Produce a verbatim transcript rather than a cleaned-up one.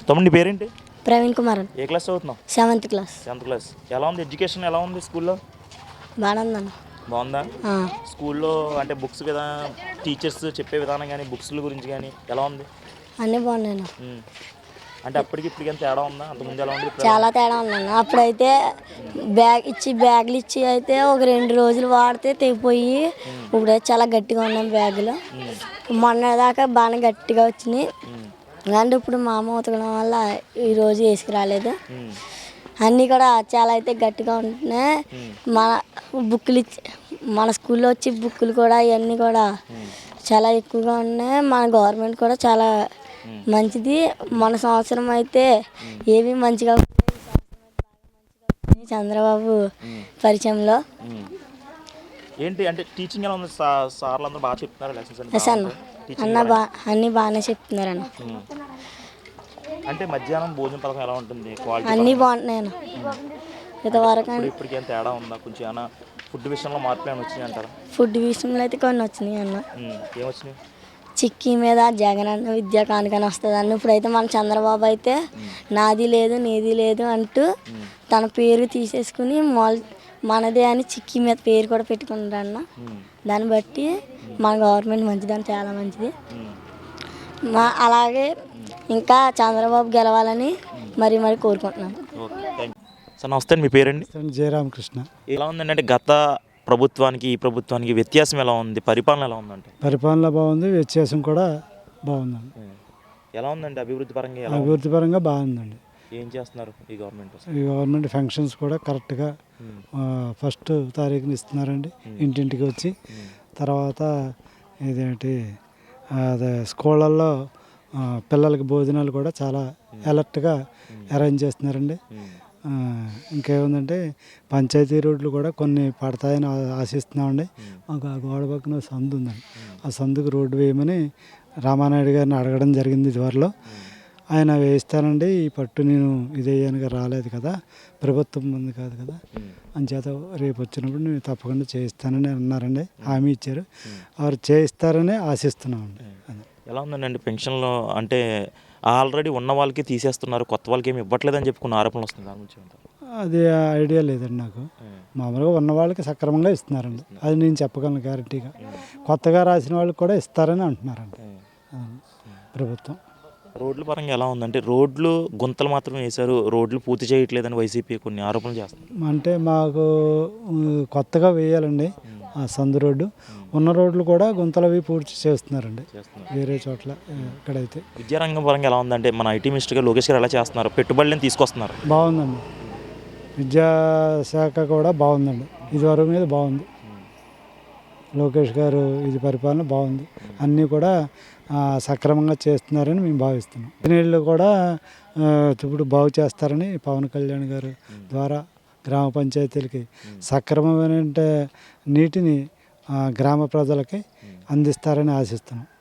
తమ్ముడి పేరేంటి? ప్రవీణ్ కుమార్. ఏ క్లాస్ చదువుతున్నావు? Seventh class. Seventh class. ఎలా ఉంది ఎడ్యుకేషన్? ఎలా ఉంది స్కూల్లో? బాగానే ఉందన్న. బాగుందా? స్కూల్లో అంటే బుక్స్ కదా, టీచర్స్ చెప్పే విధానం కానీ, బుక్స్ల గురించి కానీ ఎలా ఉంది? అన్నీ బాగున్నాయి. అంటే అప్పటికి ఇప్పటికి ఎంత తేడా ఉందా? అంతకుముందు ఎలా ఉంది? చాలా తేడా ఉందన్న. అప్పుడైతే బ్యాగ్ ఇచ్చి బ్యాగులు ఇచ్చి అయితే ఒక రెండు రోజులు వాడితే తెగిపోయి, ఇప్పుడైతే చాలా గట్టిగా ఉన్నాయి బ్యాగులు. మొన్న దాకా బాగా గట్టిగా వచ్చినాయి, అంటే ఇప్పుడు మా అమ్మ ఉతకడం వల్ల ఈరోజు వేసుకురాలేదు. అన్నీ కూడా చాలా అయితే గట్టిగా ఉంటున్నాయి. మన బుక్కులు ఇచ్చి మన స్కూల్లో వచ్చి బుక్కులు కూడా ఇవన్నీ కూడా చాలా ఎక్కువగా ఉన్నాయి. మన గవర్నమెంట్ కూడా చాలా మంచిది. మన సంవత్సరం అయితే ఏవి మంచిగా చంద్రబాబు పరిచయంలో. ఏంటి అంటే టీచింగ్ ఎలా ఉంది? సార్లు అందరూ బాగా చెప్తున్నారు లెసన్స్ అన్న అన్న బా అన్నీ బాగానే చెప్తున్నారు అన్న. అంటే మధ్యాహ్నం భోజన పథకం ఎలా ఉంటుంది? అన్నీ బాగుంటున్నాయి అన్న. ఇంతవరకు ఇప్పటికి ఏం తేడా ఉందా? కొంచెం ఏమైనా ఫుడ్ విషయంలో మార్పులు ఏమైనా వచ్చినాయి అంటారా? ఫుడ్ విషయంలో అయితే కొన్ని వచ్చినాయి అన్న. ఏమొచ్చినాయి? చిక్కీ మీద జగన్ అన్న విద్యా కానుకని వస్తుంది అన్న. ఇప్పుడైతే మన చంద్రబాబు అయితే నాది లేదు నీది లేదు అంటూ తన పేరు తీసేసుకుని మాల్ మనదే అని చిక్కీ మీద పేరు కూడా పెట్టుకుంటాడు అన్న. దాన్ని బట్టి మన గవర్నమెంట్ మంచిదని, చాలా మంచిది. మా అలాగే ఇంకా చంద్రబాబు గెలవాలని మరీ మరీ కోరుకుంటున్నాను. సార్ నమస్తే, మీ పేరండి? జయరామకృష్ణ. ఎలా ఉందండి అంటే గత ప్రభుత్వానికి ఈ ప్రభుత్వానికి వ్యత్యాసం ఎలా ఉంది? పరిపాలన ఎలా ఉందంటే? పరిపాలన బాగుంది, వ్యత్యాసం కూడా బాగుందండి. ఎలా ఉందండి అభివృద్ధి పరంగా? అభివృద్ధి పరంగా బాగుందండి. ఏం చేస్తున్నారు ఈ గవర్నమెంట్? ఈ గవర్నమెంట్ ఫంక్షన్స్ కూడా కరెక్ట్గా ఫస్ట్ తారీఖున ఇస్తున్నారండి ఇంటింటికి వచ్చి. తర్వాత ఇదేంటి అదే స్కూళ్ళల్లో పిల్లలకి భోజనాలు కూడా చాలా అలర్ట్గా అరేంజ్ చేస్తున్నారండి. ఇంకేముందంటే పంచాయతీ రోడ్లు కూడా కొన్ని పడతాయని ఆశిస్తున్నామండి. మాకు ఆ గోడ పక్కన సందు ఉందండి, ఆ సందుకు రోడ్డు వేయమని రామానాయుడు గారిని అడగడం జరిగింది ఇదివరలో. ఆయన వేయిస్తానండి, ఈ పట్టు నేను ఇదేయనుగా రాలేదు కదా, ప్రభుత్వం ఉంది కాదు కదా, అంచేత రేపు వచ్చినప్పుడు నేను తప్పకుండా చేయిస్తానని అన్నారండి, హామీ ఇచ్చారు. వారు చేయిస్తారని ఆశిస్తున్నామండి. ఎలా ఉందండి పెన్షన్లో? అంటే ఆల్రెడీ ఉన్న వాళ్ళకి తీసేస్తున్నారు, కొత్త వాళ్ళకి ఏమి ఇవ్వట్లేదని చెప్పుకున్న ఆరోపణలు వస్తుంది, దాని గురించి ఏమంటారు? అది ఐడియా లేదండి నాకు. మామూలుగా ఉన్న వాళ్ళకి సక్రమంగా ఇస్తున్నారండి, అది నేను చెప్పగలను గ్యారంటీగా. కొత్తగా రాసిన వాళ్ళకి కూడా ఇస్తారని అంటున్నారండి ప్రభుత్వం. రోడ్ల పరంగా ఎలా ఉందంటే రోడ్లు గుంతలు మాత్రం వేశారు, రోడ్లు పూర్తి చేయట్లేదని వైసీపీ కొన్ని ఆరోపణలు చేస్తుంది. అంటే మాకు కొత్తగా వేయాలండి ఆ సందు రోడ్డు, ఉన్న రోడ్లు కూడా గుంతలు అవి పూర్తి చేస్తున్నారండి వేరే చోట్ల. ఇక్కడైతే విద్యారంగం పరంగా ఎలా ఉందంటే మన ఐటీ మినిస్టర్గా లోకేష్ గారు ఎలా చేస్తున్నారు? పెట్టుబడులను తీసుకొస్తున్నారు. బాగుందండి, విద్యాశాఖ కూడా బాగుందండి, ఇదివరకు మీద బాగుంది. లోకేష్ గారు ఇది పరిపాలన బాగుంది, అన్నీ కూడా సక్రమంగా చేస్తున్నారని మేము భావిస్తున్నాం. నీళ్ళు కూడా ఇప్పుడు బాగు చేస్తారని పవన్ కళ్యాణ్ గారు ద్వారా గ్రామ పంచాయతీలకి సక్రమమైన నీటిని గ్రామ ప్రజలకి అందిస్తారని ఆశిస్తున్నాం.